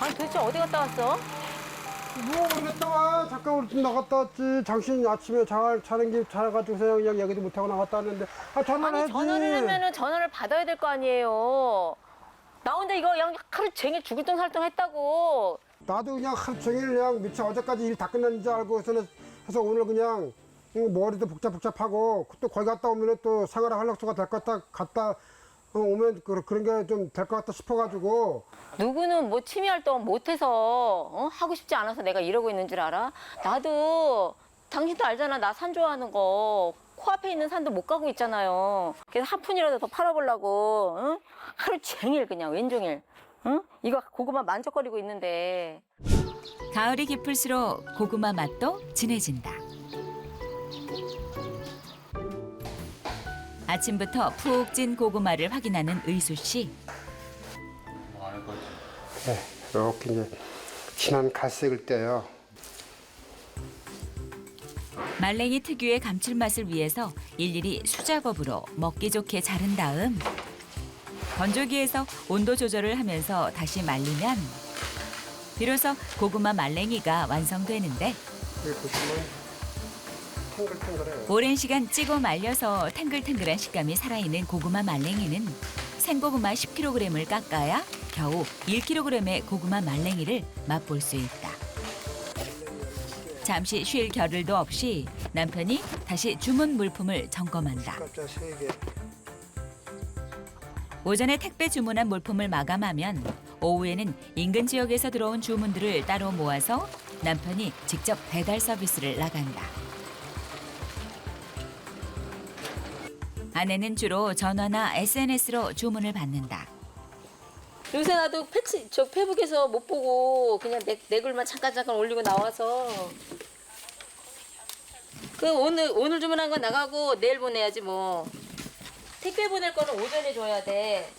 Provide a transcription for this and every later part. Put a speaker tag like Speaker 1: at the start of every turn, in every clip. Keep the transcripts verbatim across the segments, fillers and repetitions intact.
Speaker 1: 아니 도대체 어디 갔다 왔어?
Speaker 2: 뭐 모르겠다 와. 잠깐 우리 집 나갔다 왔지. 당신 아침에 잘 자는 길 자가지고서 그냥 얘기도 못하고 나갔다 왔는데 아 전화를
Speaker 1: 아니
Speaker 2: 해야지.
Speaker 1: 전화를 하면은 전화를 받아야 될 거 아니에요. 나 혼자 이거 그냥 하루 종일 죽을 똥 살똥 했다고.
Speaker 2: 나도 그냥 하루 종일 그냥 미쳐 어제까지 일 다 끝났는 줄 알고서는 해서 오늘 그냥 머리도 복잡복잡하고 또 거기 갔다 오면 또 생활의 활력소가 될 것 같다 갔다 오면 그- 그런 게 좀 될 것 같다 싶어가지고.
Speaker 1: 누구는 뭐 취미 활동 못해서 어? 하고 싶지 않아서 내가 이러고 있는 줄 알아? 나도 당신도 알잖아. 나 산 좋아하는 거. 코앞에 있는 산도 못 가고 있잖아요. 그래서 한 푼이라도 더 팔아보려고 응? 하루 종일 그냥 왼종일 응? 이거 고구마 만족거리고 있는데.
Speaker 3: 가을이 깊을수록 고구마 맛도 진해진다. 아침부터 푹 찐 고구마를 확인하는 의수 씨.
Speaker 2: 네, 이렇게 이제 진한 갈색을 떼요.
Speaker 3: 말랭이 특유의 감칠맛을 위해서 일일이 수작업으로 먹기 좋게 자른 다음 건조기에서 온도 조절을 하면서 다시 말리면 비로소 고구마 말랭이가 완성되는데
Speaker 2: 여기 보시면 탱글탱글해요.
Speaker 3: 오랜 시간 찌고 말려서 탱글탱글한 식감이 살아있는 고구마 말랭이는 생고구마 십 킬로그램을 깎아야 겨우 일 킬로그램의 고구마 말랭이를 맛볼 수 있다. 잠시 쉴 겨를도 없이 남편이 다시 주문 물품을 점검한다.
Speaker 2: 깜짝 세 개.
Speaker 3: 오전에 택배 주문한 물품을 마감하면 오후에는 인근 지역에서 들어온 주문들을 따로 모아서 남편이 직접 배달 서비스를 나간다. 아내는 주로 전화나 에스엔에스로 주문을 받는다.
Speaker 1: 요새 나도 패치, 저 페북에서 못 보고 그냥 내, 내 글만 잠깐 잠깐 올리고 나와서 그 오늘 오늘 주문한 건 나가고 내일 보내야지 뭐. 택배 보낼 거는 오전에 줘야 돼.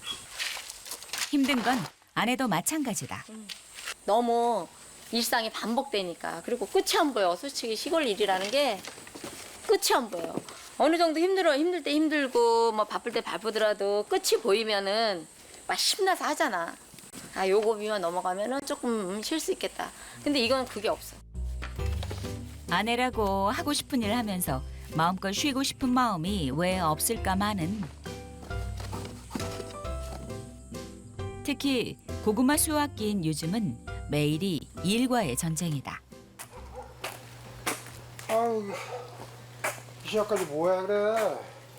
Speaker 3: 힘든 건 아내도 마찬가지다.
Speaker 1: 너무 일상이 반복되니까. 그리고 끝이 안 보여. 솔직히 시골 일이라는 게 끝이 안 보여. 어느 정도 힘들어 힘들 때 힘들고 뭐 바쁠 때 바쁘더라도 끝이 보이면은 막 신나서 하잖아. 아 요거 비만 넘어가면은 조금 쉴 수 있겠다. 근데 이건 그게 없어.
Speaker 3: 아내라고 하고 싶은 일 하면서 마음껏 쉬고 싶은 마음이 왜 없을까마는. 특히 고구마 수확기인 요즘은 매일이 일과의 전쟁이다.
Speaker 2: 아우 이 시간까지 뭐야 그래.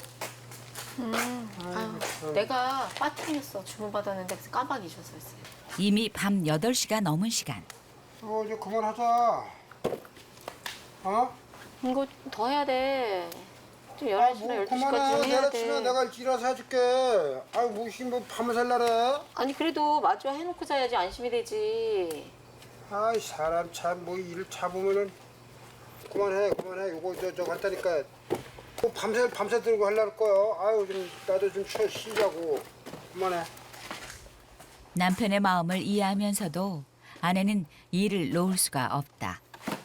Speaker 1: 아유, 내가 빠뜨렸어. 주문 받았는데 그래서 깜빡 잊었었어요.
Speaker 3: 이미 밤 여덟 시가 넘은 시간.
Speaker 2: 어 이제 그만하자. 어?
Speaker 1: 이거 더 해야 돼. 좀
Speaker 2: 아,
Speaker 1: 열한 시나
Speaker 2: 뭐
Speaker 1: 열두
Speaker 2: 그만해.
Speaker 1: 시까지 해야
Speaker 2: 내일
Speaker 1: 돼.
Speaker 2: 아침에 내가 일찍 일어나서 해줄게. 아유 무슨 뭐 밤을 샐라래.
Speaker 1: 아니 그래도 마주 해놓고 자야지 안심이 되지.
Speaker 2: 아이 사람 참 뭐 일을 잡으면은 그만해 그만해. 요거 저 저거 한다니까. 뭐 밤새 밤새 들고 하려고 거요. 아유 좀 나도 좀 쉬, 쉬자고. 그만해.
Speaker 3: 남편의 마음을 이해하면서도 아내는 일을 놓을 수가 없다.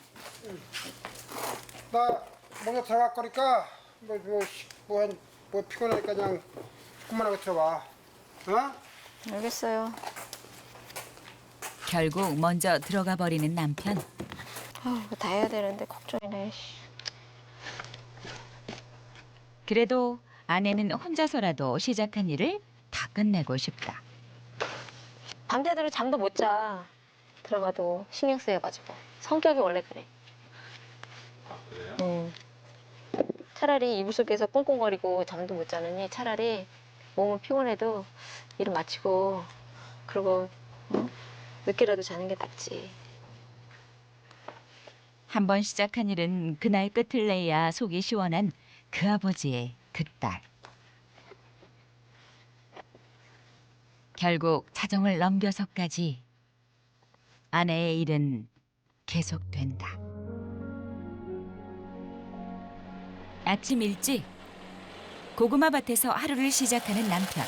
Speaker 2: 나 먼저 들어갈 거니까 뭐뭐뭐뭐 뭐 피곤하니까 그냥 그만하고 들어와. 어?
Speaker 1: 알겠어요.
Speaker 3: 결국 먼저 들어가 버리는 남편.
Speaker 1: 아우 이거 다 해야 되는데 걱정이네.
Speaker 3: 그래도 아내는 혼자서라도 시작한 일을 다 끝내고 싶다.
Speaker 1: 밤새도록 잠도 못 자. 들어가도 신경 쓰여가지고. 성격이 원래 그래. 응. 차라리 이불 속에서 꽁꽁거리고 잠도 못 자느니 차라리 몸은 피곤해도 일을 마치고 그러고 응? 늦게라도 자는 게 낫지.
Speaker 3: 한 번 시작한 일은 그날 끝을 내야 속이 시원한 그 아버지의 그 딸. 결국 자정을 넘겨서까지 아내의 일은 계속된다. 아침 일찍 고구마 밭에서 하루를 시작하는 남편.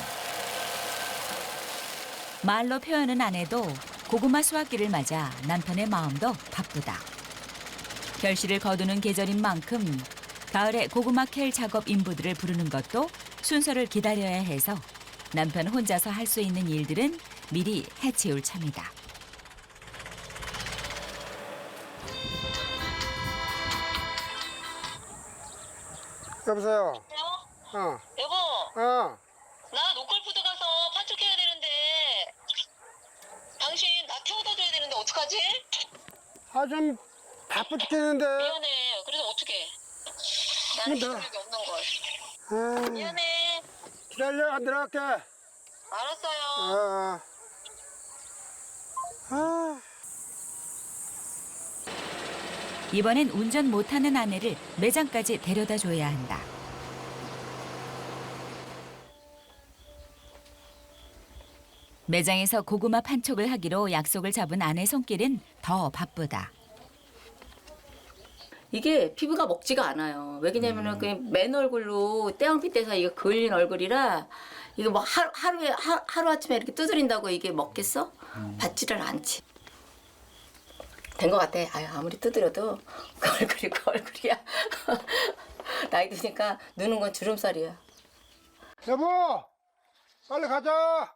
Speaker 3: 말로 표현은 안 해도 고구마 수확기를 맞아 남편의 마음도 바쁘다. 결실을 거두는 계절인 만큼 가을에 고구마 캘 작업 인부들을 부르는 것도 순서를 기다려야 해서 남편 혼자서 할 수 있는 일들은 미리 해치울 참이다.
Speaker 2: 여보세요.
Speaker 4: 여보세요?
Speaker 2: 어,
Speaker 4: 여보,
Speaker 2: 어.
Speaker 4: 나 노골푸드 가서 판촉해야 되는데 당신 나 태워다 줘야 되는데 어떡하지?
Speaker 2: 아, 좀 바쁘 죽겠는데.
Speaker 4: 미안해. 그래서 어떡해? 나는
Speaker 2: 근데-
Speaker 4: 기술력이 없는 걸.
Speaker 2: 아,
Speaker 4: 미안해.
Speaker 2: 기다려, 안 들어갈게.
Speaker 4: 알았어요.
Speaker 2: 아, 아.
Speaker 3: 이번엔 운전 못하는 아내를 매장까지 데려다 줘야 한다. 매장에서 고구마 판촉을 하기로 약속을 잡은 아내 손길은 더 바쁘다.
Speaker 1: 이게 피부가 먹지가 않아요. 왜냐면은 그냥 맨 얼굴로 떼왕피 떼서 이거 그을린 얼굴이라 이거 뭐 하루, 하루에 하, 하루 아침에 이렇게 두드린다고 이게 먹겠어? 받지를 않지. 된 것 같아. 아유, 아무리 두드려도 그 얼굴이 그 얼굴이야. 나이 드니까 누는 건 주름살이야.
Speaker 2: 여보, 빨리 가자.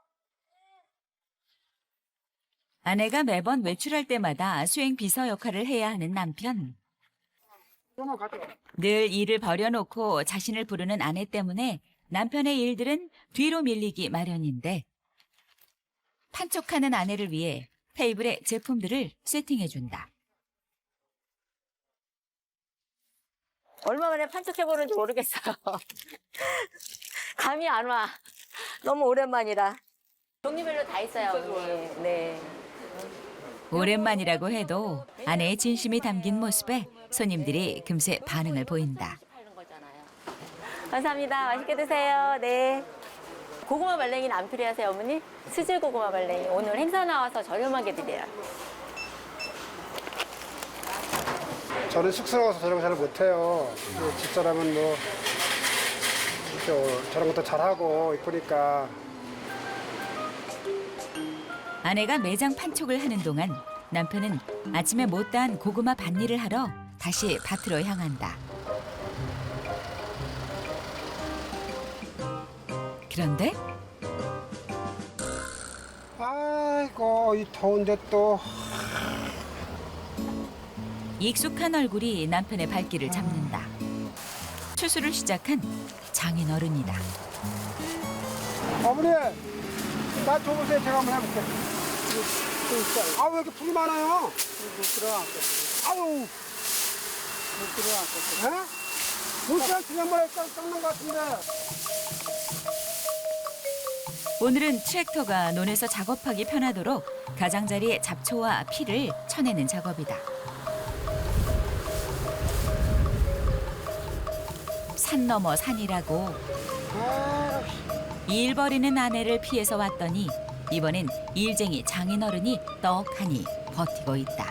Speaker 3: 아내가 매번 외출할 때마다 수행 비서 역할을 해야 하는 남편.
Speaker 2: 그만 가자.
Speaker 3: 늘 일을 버려놓고 자신을 부르는 아내 때문에 남편의 일들은 뒤로 밀리기 마련인데 판촉하는 아내를 위해 테이블에 제품들을 세팅해준다.
Speaker 1: 얼마 만에 판촉해보는지 모르겠어요. 감이 안 와. 너무 오랜만이라. 종류별로 다 있어요, 어머니. 네.
Speaker 3: 오랜만이라고 해도 아내의 진심이 담긴 모습에 손님들이 금세 반응을 보인다.
Speaker 1: 감사합니다. 맛있게 드세요. 네. 고구마 말랭이는 안 필요하세요, 어머니? 수질 고구마 말랭이. 오늘 행사 나와서 저렴하게 드려요.
Speaker 2: 저는 쑥스러워서 저런 거 잘 못해요. 그 집사람은 뭐 이렇게 저런 것도 잘하고 이쁘니까.
Speaker 3: 아내가 매장 판촉을 하는 동안 남편은 아침에 못다한 고구마 밭일을 하러 다시 밭으로 향한다. 그런데
Speaker 2: 아이고, 이 더운데 또.
Speaker 3: 익숙한 얼굴이 남편의 발길을 잡는다. 추수를 시작한 장인어른이다.
Speaker 2: 어머니, 나 줘보세요. 제가 한번 해볼게. 아, 왜 이렇게 풀이 많아요? 못 들어갔어. 아유. 못 들어갔어. 에? 물살 그냥만 깎는 것 같은데.
Speaker 3: 오늘은 트랙터가 논에서 작업하기 편하도록 가장자리에 잡초와 피를 쳐내는 작업이다. 산 넘어 산이라고
Speaker 2: 아,
Speaker 3: 일 벌이는 아내를 피해서 왔더니 이번엔 일쟁이 장인어른이 떡하니 버티고 있다.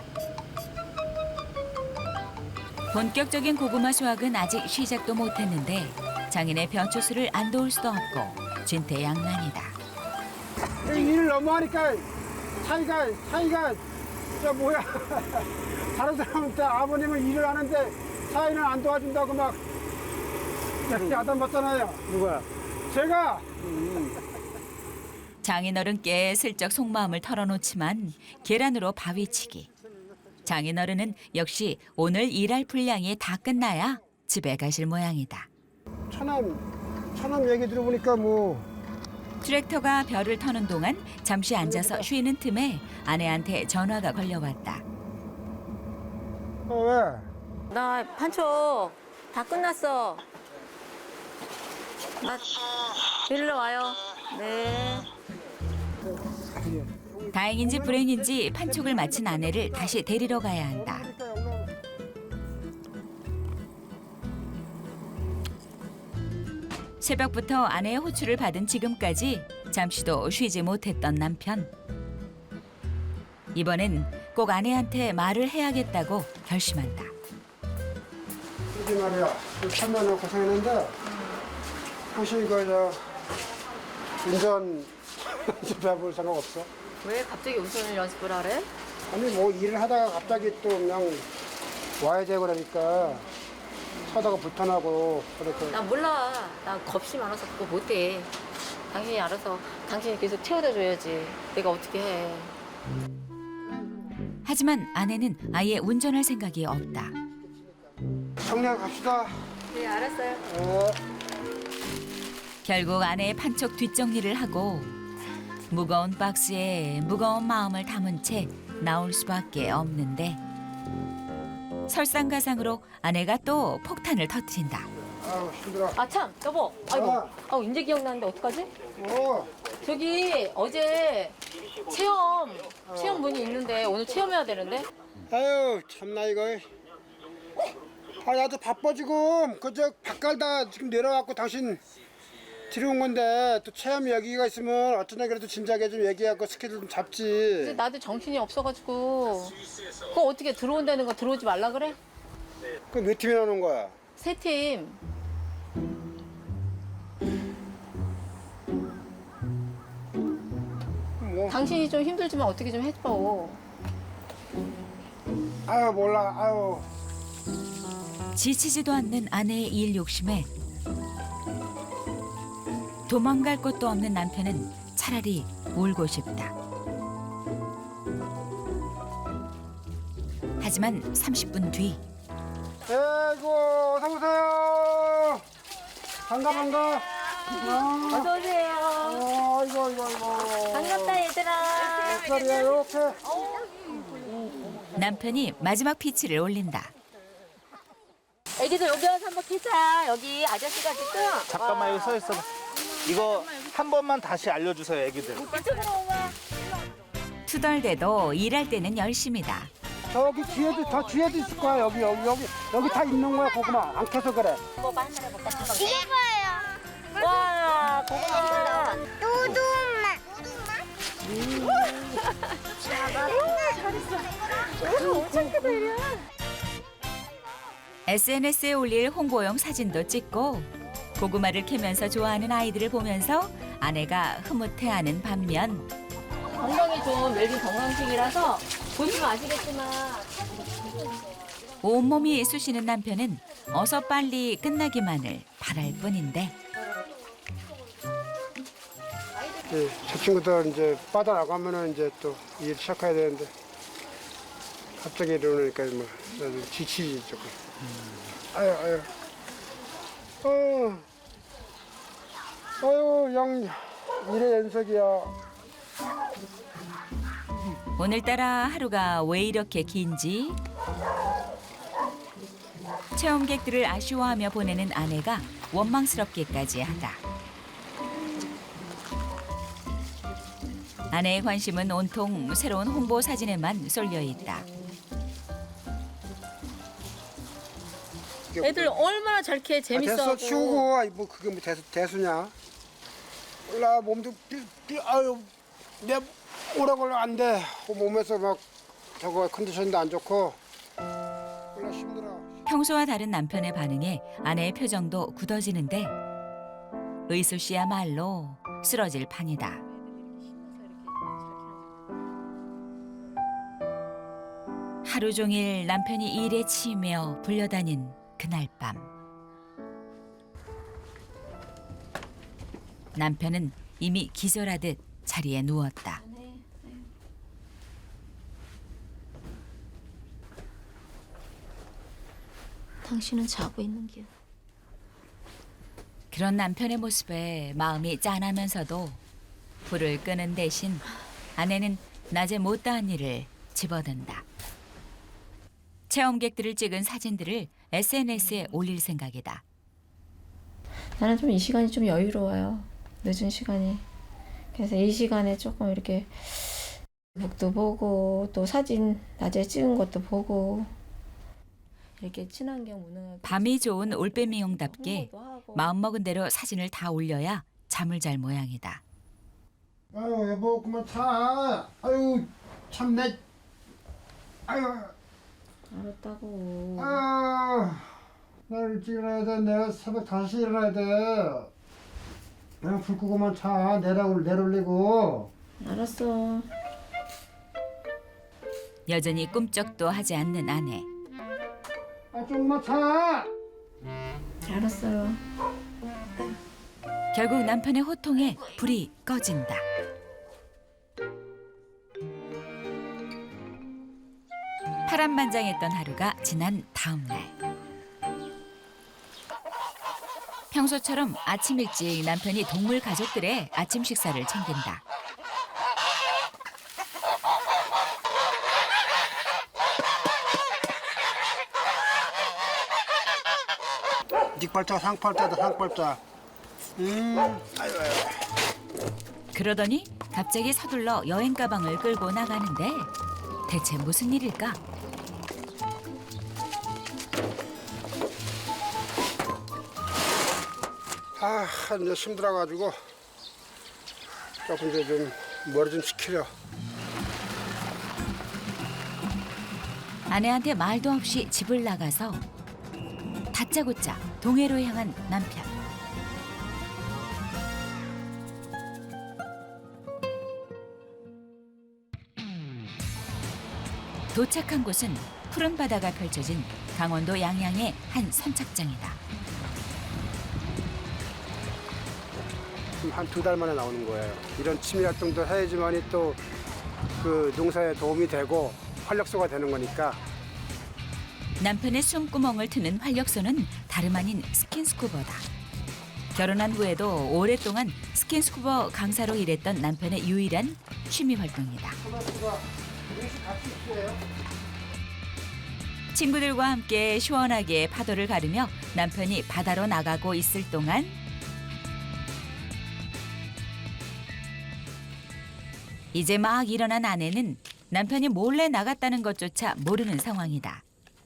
Speaker 3: 본격적인 고구마 수확은 아직 시작도 못했는데 장인의 벼추수를 안 도울 수도 없고 진퇴양난이다.
Speaker 2: 일을 너무 하니까 사이가, 사이가, 저 뭐야. 다른 사람한테 아버님은 일을 하는데 사이는 안 도와준다고 막 야단 받잖아요. 누가? 제가.
Speaker 3: 장인어른께 슬쩍 속마음을 털어놓지만 계란으로 바위치기. 장인어른은 역시 오늘 일할 분량이 다 끝나야 집에 가실 모양이다.
Speaker 2: 처남, 처남 얘기 들어보니까 뭐.
Speaker 3: 트랙터가 벼를 터는 동안 잠시 앉아서 쉬는 틈에 아내한테 전화가 걸려왔다.
Speaker 2: 어, 왜?
Speaker 1: 나 판촉 다 끝났어. 나 일로 와요. 네.
Speaker 3: 다행인지 불행인지 판촉을 마친 아내를 다시 데리러 가야 한다. 새벽부터 아내의 호출을 받은 지금까지 잠시도 쉬지 못했던 남편. 이번엔 꼭 아내한테 말을 해야겠다고 결심한다.
Speaker 2: 이게 말이야. 천년을 고생했는데 혹시 이거 저 운전 배워볼 생각 없어?
Speaker 1: 왜 갑자기 운전을 연습을 하래?
Speaker 2: 아니 뭐 일을 하다가 갑자기 또 그냥 와야 되고 그러니까 하다가 불편하고 그렇게.
Speaker 1: 나 몰라. 나 겁이 많아서 그거 못해. 당신이 알아서 당신이 계속 태워다 줘야지. 내가 어떻게 해.
Speaker 3: 하지만 아내는 아예 운전할 생각이 없다.
Speaker 2: 정리하고 갑시다.
Speaker 1: 네, 알았어요.
Speaker 2: 어.
Speaker 3: 결국 아내의 판촉 뒷정리를 하고 무거운 박스에 무거운 마음을 담은 채 나올 수밖에 없는데 설상가상으로 아내가 또 폭탄을 터뜨린다.
Speaker 2: 아우 힘들어.
Speaker 1: 아, 참, 여보. 아이고,
Speaker 2: 아.
Speaker 1: 아우, 이제 기억나는데 어떡하지?
Speaker 2: 어.
Speaker 1: 저기 어제 체험, 체험 문이 있는데 오늘 체험해야 되는데?
Speaker 2: 아유 참나 이거. 아 나도 바빠 지금. 그저 바깔다 지금 내려왔고 당신 들여온 건데 또 체험 얘기가 있으면 어쩌나 그래도 진작에 좀 얘기하고 스케줄 좀
Speaker 1: 이제
Speaker 2: 잡지.
Speaker 1: 나도 정신이 없어가지고 그거 어떻게 들어온다는 거 들어오지 말라 그래?
Speaker 2: 그 몇 팀이나 오는 거야?
Speaker 1: 세 팀.
Speaker 2: 뭐.
Speaker 1: 당신이 좀 힘들지만 어떻게 좀 해줘.
Speaker 2: 아유 몰라. 아유.
Speaker 3: 지치지도 않는 아내의 일 욕심에 도망갈 곳도 없는 남편은 차라리 울고 싶다. 하지만 삼십 분 뒤
Speaker 2: 아이고 어서 오세요. 반가 반가. 아,
Speaker 1: 어서 오세요.
Speaker 2: 어, 아이고 아이고 아이고.
Speaker 1: 반갑다 얘들아.
Speaker 2: 몇 살이야 이렇게?
Speaker 3: 남편이 마지막 피치를 올린다.
Speaker 1: 애기들 여기 와서 한번 키자. 여기 아저씨가 지금.
Speaker 5: 잠깐만 여기 서 있어. 이거 한 번만 다시 알려주세요, 애기들.
Speaker 3: 투덜대도 일할 때는 열심이다.
Speaker 2: 저기 뒤에도 저 뒤에도 있을 거야. 여기 여기 여기 여기 다 있는 거야 고구마. 안 캐서 그래.
Speaker 1: 이게 뭐예요? 와, 고구마.
Speaker 6: 두두맛.
Speaker 3: 에스엔에스에 올릴 홍보용 사진도 찍고 고구마를 캐면서 좋아하는 아이들을 보면서 아내가 흐뭇해하는 반면
Speaker 1: 건강에 좋은 웰빙 건강식이라서 보시면 아시겠지만
Speaker 3: 온몸이 쑤시는 남편은 어서 빨리 끝나기만을 바랄 뿐인데
Speaker 2: 예, 저 친구들 이제 빠져나가면은 이제 또 일 시작해야 되는데 갑자기 이러니까 뭐 나도 지치지 조금. 아유 아유. 어. 아유 양 일의 연속이야.
Speaker 3: 오늘따라 하루가 왜 이렇게 긴지 체험객들을 아쉬워하며 보내는 아내가 원망스럽기까지 하다. 아내의 관심은 온통 새로운 홍보 사진에만 쏠려 있다.
Speaker 1: 애들 얼마나 잘 캐
Speaker 2: 아,
Speaker 1: 재밌어.
Speaker 2: 됐어 치우고. 아이, 뭐 그게 뭐 대수 대수냐? 몰라 몸도 삐, 삐, 아유 내 오래 걸려 안 돼. 그 몸에서 막 저거 컨디션도 안 좋고. 몰라 힘들어.
Speaker 3: 평소와 다른 남편의 반응에 아내의 표정도 굳어지는데 의수 씨야말로 쓰러질 판이다. 하루 종일 남편이 일에 치이며 불려다닌 그날 밤 남편은 이미 기절하듯 자리에 누웠다.
Speaker 1: 당신은 자고 있는 길.
Speaker 3: 그런 남편의 모습에 마음이 짠하면서도 불을 끄는 대신 아내는 낮에 못다한 일을 집어든다. 체험객들을 찍은 사진들을 에스엔에스에 올릴 생각이다.
Speaker 1: 나는 좀 이 시간이 좀 여유로워요. 늦은 시간이. 그래서 이 시간에 조금 이렇게 북도 보고 또 사진 낮에 찍은 것도 보고 이렇게 친환경 무능하게
Speaker 3: 밤이 좋은 올빼미용답게
Speaker 1: 홍보도 하고.
Speaker 3: 마음먹은 대로 사진을 다 올려야 잠을 잘 모양이다.
Speaker 2: 아유 여보 그만 자. 아유 참내. 아유.
Speaker 1: 알았다고.
Speaker 2: 아유. 나 일찍 일어나야 돼. 내가 새벽 다시 일어나야 돼. 그냥 불 끄고만 자. 내려 내려올리고.
Speaker 1: 알았어.
Speaker 3: 여전히 꿈쩍도 하지 않는 아내.
Speaker 2: 아 좀만 자.
Speaker 1: 알았어요.
Speaker 3: 결국 남편의 호통에 불이 꺼진다. 파란만장했던 하루가 지난 다음 날. 평소처럼 아침 일찍 남편이 동물 가족들의 아침 식사를 챙긴다.
Speaker 2: 닉발자, 상팔자다, 상팔자. 음, 아유, 아유.
Speaker 3: 그러더니 갑자기 서둘러 여행 가방을 끌고 나가는데 대체 무슨 일일까?
Speaker 2: 아, 이제 힘들어가지고 조금 이제 좀 머리 좀 식히려.
Speaker 3: 아내한테 말도 없이 집을 나가서 다짜고짜 동해로 향한 남편. 도착한 곳은 푸른 바다가 펼쳐진 강원도 양양의 한 선착장이다.
Speaker 2: 한 두 달 만에 나오는 거예요. 이런 취미 활동도 해야지만이 또 그 농사에 도움이 되고 활력소가 되는 거니까.
Speaker 3: 남편의 숨구멍을 트는 활력소는 다름 아닌 스킨스쿠버다. 결혼한 후에도 오랫동안 스킨스쿠버 강사로 일했던 남편의 유일한 취미 활동이다. 친구들과 함께 시원하게 파도를 가르며 남편이 바다로 나가고 있을 동안 이제 막 일어난 아내는 남편이 몰래 나갔다는 것조차 모르는 상황이다.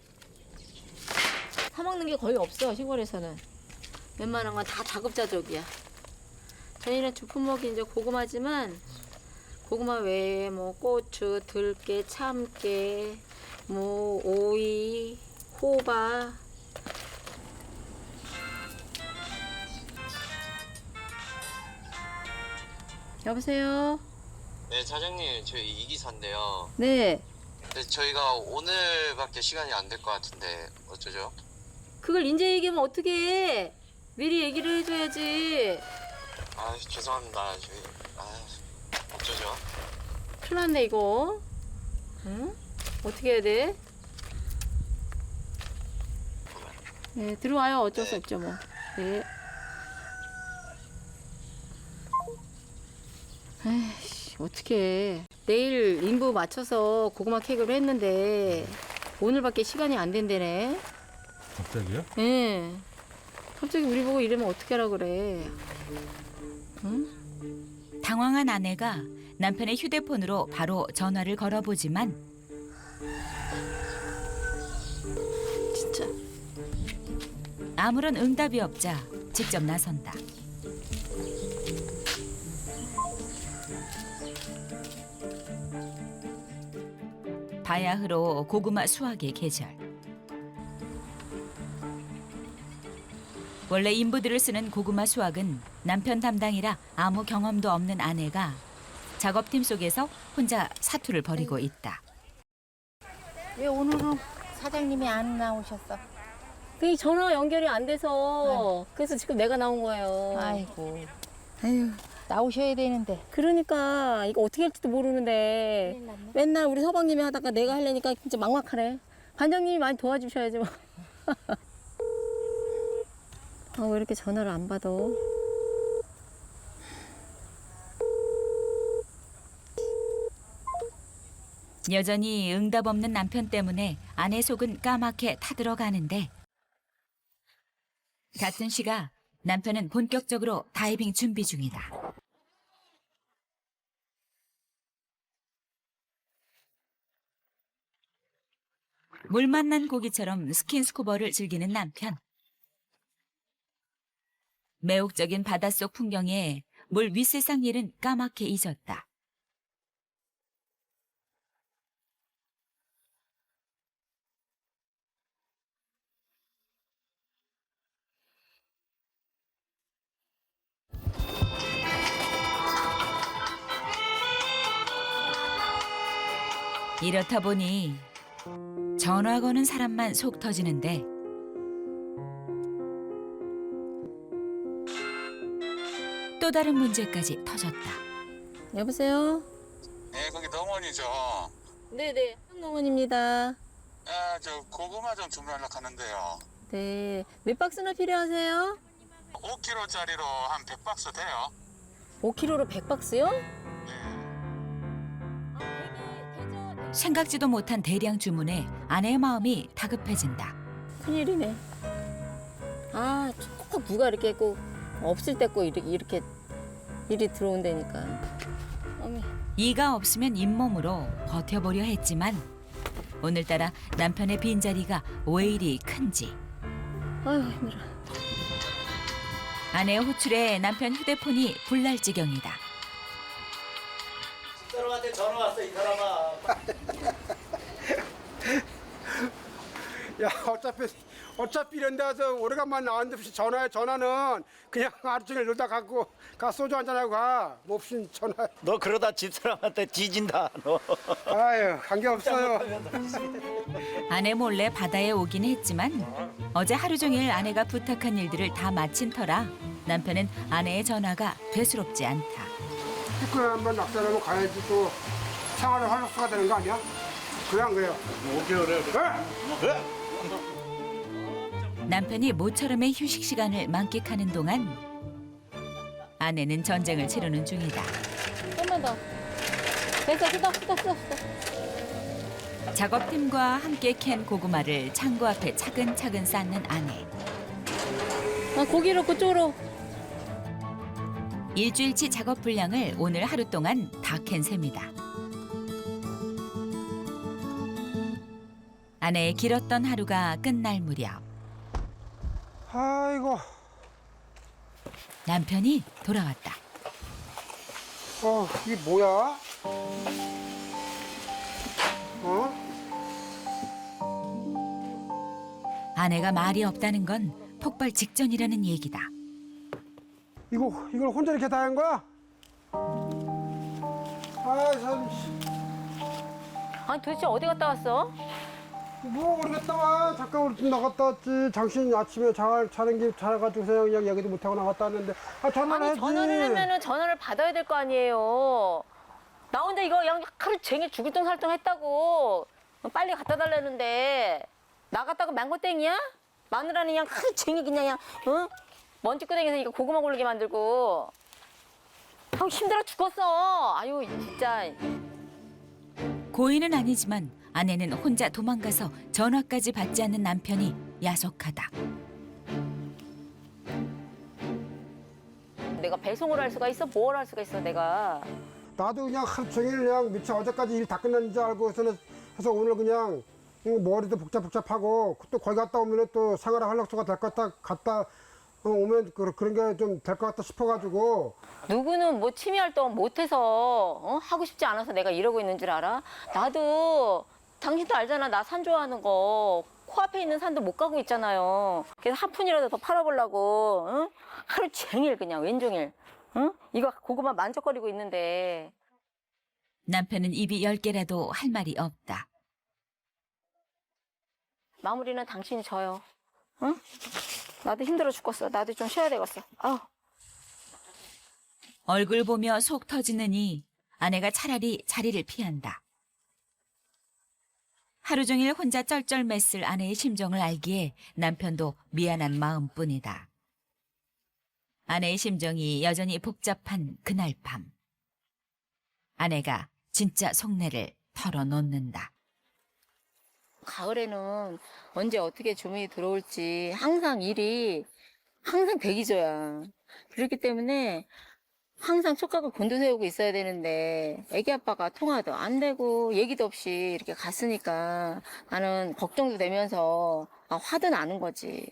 Speaker 1: 사 먹는 게 거의 없어 시골에서는. 웬만한 건 다 자급자족이야. 저희는 주품 먹이 이제 고구마지만 고구마 외에 뭐 고추, 들깨, 참깨, 뭐 오이, 호박. 여보세요?
Speaker 6: 네, 사장님, 저희 이기사인데요.
Speaker 1: 네.
Speaker 6: 근데 저희가 오늘밖에 시간이 안 될 것 같은데 어쩌죠?
Speaker 1: 그걸 이제 얘기하면 어떻게 해? 미리 얘기를 해줘야지.
Speaker 6: 아, 죄송합니다. 저희 아, 어쩌죠?
Speaker 1: 큰일 났네 이거. 응? 어떻게 해야 돼? 네, 들어와요. 어쩔 수 없죠 뭐. 네. 에이씨, 어떻게 해. 내일 인부 맞춰서 고구마 케이크를 했는데 오늘밖에 시간이 안 된대네.
Speaker 7: 갑자기요?
Speaker 1: 예. 갑자기 우리 보고 이러면 어떻게 하라 그래. 응?
Speaker 3: 당황한 아내가 남편의 휴대폰으로 바로 전화를 걸어보지만
Speaker 1: 진짜.
Speaker 3: 아무런 응답이 없자 직접 나선다. 바야흐로 고구마 수확의 계절. 원래 인부들을 쓰는 고구마 수확은 남편 담당이라 아무 경험도 없는 아내가 작업팀 속에서 혼자 사투를 벌이고 있다.
Speaker 8: 왜 오늘은 사장님이 안 나오셨어?
Speaker 1: 그 전화 연결이 안 돼서 그래서 지금 내가 나온 거예요.
Speaker 8: 아이고,
Speaker 1: 아유.
Speaker 8: 나오셔야 되는데.
Speaker 1: 그러니까 이거 어떻게 할지도 모르는데
Speaker 8: 큰일 났네.
Speaker 1: 맨날 우리 서방님이 하다가 내가 하려니까 진짜 막막하네. 관장님이 많이 도와주셔야지 뭐. 아, 왜 이렇게 전화를 안 받아?
Speaker 3: 여전히 응답 없는 남편 때문에 아내 속은 까맣게 타들어가는데 같은 시각 남편은 본격적으로 다이빙 준비 중이다. 물 만난 고기처럼 스킨스쿠버를 즐기는 남편. 매혹적인 바닷속 풍경에 물 윗세상 일은 까맣게 잊었다. 이렇다 보니 전화 거는 사람만 속 터지는데 또 다른 문제까지 터졌다.
Speaker 1: 여보세요?
Speaker 9: 네, 거기 농원이죠.
Speaker 1: 네네, 한농원입니다.
Speaker 9: 아, 저 고구마 좀 주문하려고 하는데요.
Speaker 1: 네, 몇 박스나 필요하세요?
Speaker 9: 오 킬로그램짜리로 한 백 박스 돼요.
Speaker 1: 오 킬로그램로 백 박스요?
Speaker 3: 생각지도 못한 대량 주문에 아내의 마음이 다급해진다.
Speaker 1: 큰일이네. 아, 꼭 누가 이렇게 꼭 없을 때 꼭 이렇게, 이렇게 일이 들어온다니까. 어메.
Speaker 3: 이가 없으면 잇몸으로 버텨보려 했지만 오늘따라 남편의 빈자리가 왜 이리 큰지.
Speaker 1: 아유, 힘들어.
Speaker 3: 아내의 호출에 남편 휴대폰이 불날 지경이다.
Speaker 5: 이 사람한테 전화 왔어, 이 사람아.
Speaker 2: 야 어차피 어차피 이런 데서 오래간만에 나왔는데 없이 전화해. 전화는 그냥 하루 종일 놀다 가고 가 소주 한잔하고 가. 뭐 없이 전화.
Speaker 5: 너 그러다 집사람한테 뒤진다, 너.
Speaker 2: 아유 관계없어요.
Speaker 3: 아내 몰래 바다에 오긴 했지만 어제 하루 종일 아내가 부탁한 일들을 다 마친 터라 남편은 아내의 전화가 되스럽지 않다.
Speaker 2: 피크에 한번 낙선하면 가야지 또 생활의 활력소가 되는 거 아니야? 그래 안 그래요?
Speaker 5: 오개월에
Speaker 2: 그래?
Speaker 3: 남편이 모처럼의 휴식 시간을 만끽하는 동안 아내는 전쟁을 치르는 중이다.
Speaker 1: 좀만 더. 됐어, 쓰다, 쓰다, 쓰다, 쓰다.
Speaker 3: 작업팀과 함께 캔 고구마를 창고 앞에 차근차근 쌓는 아내.
Speaker 1: 아, 고기를 그쪽으로.
Speaker 3: 일주일치 작업 분량을 오늘 하루 동안 다 캔 셈이다. 아내의 길었던 하루가 끝날 무렵
Speaker 2: 아이고.
Speaker 3: 남편이 돌아왔다.
Speaker 2: 어 이게 뭐야? 어?
Speaker 3: 아내가 말이 없다는 건 폭발 직전이라는 얘기다.
Speaker 2: 이거 이걸 혼자 이렇게 다 한 거야? 아 참.
Speaker 1: 아니, 도대체 어디 갔다 왔어?
Speaker 2: 뭐 모르겠다 와. 잠깐 우리 집 나갔다 왔지. 당신 아침에 잘 자는 길 자가지고서 그냥 얘기도 못하고 나갔다 왔는데 아 전화를
Speaker 1: 아니,
Speaker 2: 해야지.
Speaker 1: 전화를 하면은 전화를 받아야 될 거 아니에요. 나 혼자 이거 그냥 하루 종일 죽을 똥 살똥 했다고. 빨리 갖다 달라는데 나갔다가 망고땡이야? 마누라는 그냥 하루 종일 그냥 그냥 어? 먼지구덩이에서 이거 고구마 고르게 만들고. 아, 힘들어 죽었어. 아유 진짜.
Speaker 3: 고의는 아니지만 아내는 혼자 도망가서 전화까지 받지 않는 남편이 야속하다.
Speaker 1: 내가 배송을 할 수가 있어? 뭘 할 수가 있어 내가.
Speaker 2: 나도 그냥 하루 종일 그냥 미처 어제까지 일 다 끝난 줄 알고서는 해서 오늘 그냥 머리도 복잡복잡하고 또 거기 갔다 오면 또 생활의 활력소가 될 것 같다 갔다 오면 그- 그런 게 좀 될 것 같다 싶어가지고.
Speaker 1: 누구는 뭐 취미 활동 못해서 어? 하고 싶지 않아서 내가 이러고 있는 줄 알아? 나도 당신도 알잖아. 나 산 좋아하는 거. 코앞에 있는 산도 못 가고 있잖아요. 그래서 한 푼이라도 더 팔아보려고 응? 하루 종일 그냥 왼종일 응? 이거 고구마 만족거리고 있는데.
Speaker 3: 남편은 입이 열 개라도 할 말이 없다.
Speaker 1: 마무리는 당신이 져요. 응? 나도 힘들어 죽겠어. 나도 좀 쉬어야 되겠어. 아우.
Speaker 3: 얼굴 보며 속 터지느니 아내가 차라리 자리를 피한다. 하루 종일 혼자 쩔쩔맸을 아내의 심정을 알기에 남편도 미안한 마음뿐이다. 아내의 심정이 여전히 복잡한 그날 밤. 아내가 진짜 속내를 털어놓는다.
Speaker 1: 가을에는 언제 어떻게 주문이 들어올지 항상 일이 항상 대기조야. 그렇기 때문에 항상 촉각을 곤두세우고 있어야 되는데 애기 아빠가 통화도 안 되고 얘기도 없이 이렇게 갔으니까 나는 걱정도 되면서 아, 화도 나는 거지.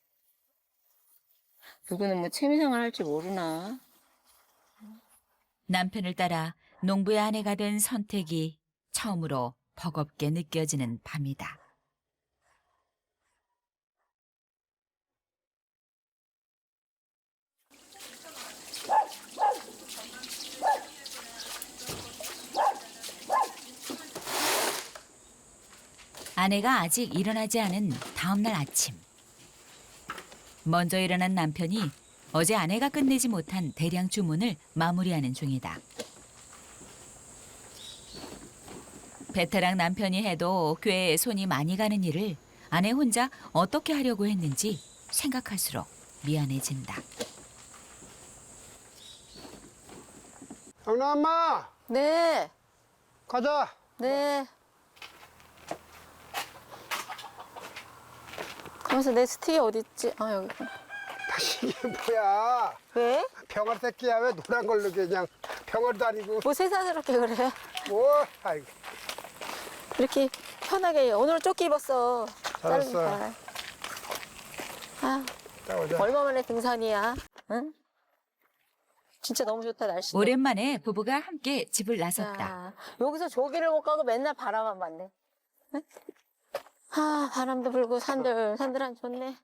Speaker 1: 누구는 뭐 취미생활 할지 모르나.
Speaker 3: 남편을 따라 농부의 아내가 된 선택이 처음으로 버겁게 느껴지는 밤이다. 아내가 아직 일어나지 않은 다음 날 아침. 먼저 일어난 남편이 어제 아내가 끝내지 못한 대량 주문을 마무리하는 중이다. 베테랑 남편이 해도 꽤 손이 많이 가는 일을 아내 혼자 어떻게 하려고 했는지 생각할수록 미안해진다.
Speaker 2: 영란 엄마
Speaker 1: 네,
Speaker 2: 가자.
Speaker 1: 네. 가면서 내 스틱이 어디 있지? 아 여기.
Speaker 2: 다시 이게 뭐야?
Speaker 1: 왜?
Speaker 2: 병아리 새끼야 왜 노란 걸로 그냥 병아리도 아니고
Speaker 1: 뭐 세상스럽게 그래?
Speaker 2: 뭐? 아이고.
Speaker 1: 이렇게 편하게 오늘 조끼 입었어.
Speaker 2: 잘했어.
Speaker 1: 짧으니까. 아,
Speaker 2: 자 오자.
Speaker 1: 얼마 만에 등산이야? 응? 진짜 너무 좋다 날씨.
Speaker 3: 오랜만에 부부가 함께 집을 나섰다.
Speaker 1: 야, 여기서 조기를 못 가고 맨날 바람만 맞네. 응? 아, 바람도 불고 산들 산들한 좋네.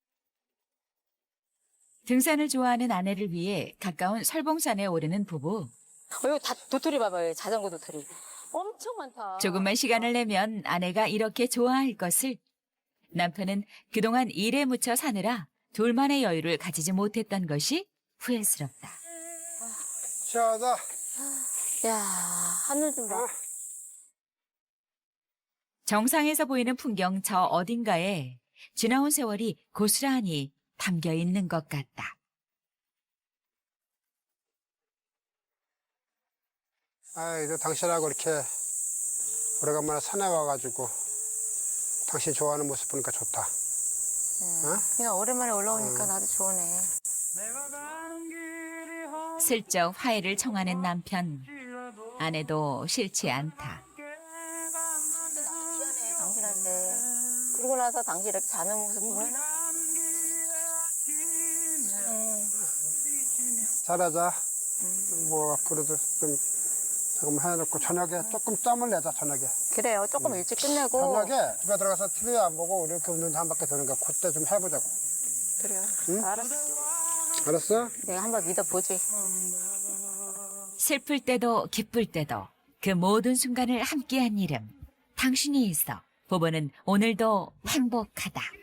Speaker 3: 등산을 좋아하는 아내를 위해 가까운 설봉산에 오르는 부부.
Speaker 1: 어, 여기 다 도토리 봐봐요. 자전거 도토리. 엄청 많다.
Speaker 3: 조금만 시간을 내면 아내가 이렇게 좋아할 것을. 남편은 그동안 일에 묻혀 사느라 둘만의 여유를 가지지 못했던 것이 후회스럽다.
Speaker 2: 시원하다.
Speaker 1: 야, 하늘 좀 봐.
Speaker 3: 정상에서 보이는 풍경 저 어딘가에 지나온 세월이 고스란히 담겨 있는 것 같다.
Speaker 2: 아이고 당신하고 이렇게 오래간만에 산에 와가지고 당신 좋아하는 모습 보니까 좋다. 어?
Speaker 1: 그냥 오랜만에 올라오니까 나도 좋으네.
Speaker 3: 슬쩍 화해를 청하는 남편. 아내도 싫지 않다.
Speaker 1: 당신한테. 그러고 나서 당신 이렇게 자는 모습 보면
Speaker 2: 잘하자. 뭐 앞으로도 좀 조금 해놓고 저녁에 조금 짬을 내자 저녁에.
Speaker 1: 그래요. 조금 일찍 끝내고.
Speaker 2: 저녁에 집에 들어가서 티비 안 보고 이렇게 운동 한 바퀴 도는 거 그때 좀 해보자고.
Speaker 1: 그래요.
Speaker 2: 응?
Speaker 1: 알았어.
Speaker 2: 알았어?
Speaker 1: 내가 한번 믿어보지.
Speaker 3: 슬플 때도 기쁠 때도 그 모든 순간을 함께한 이름. 당신이 있어. 부부는 오늘도 행복하다.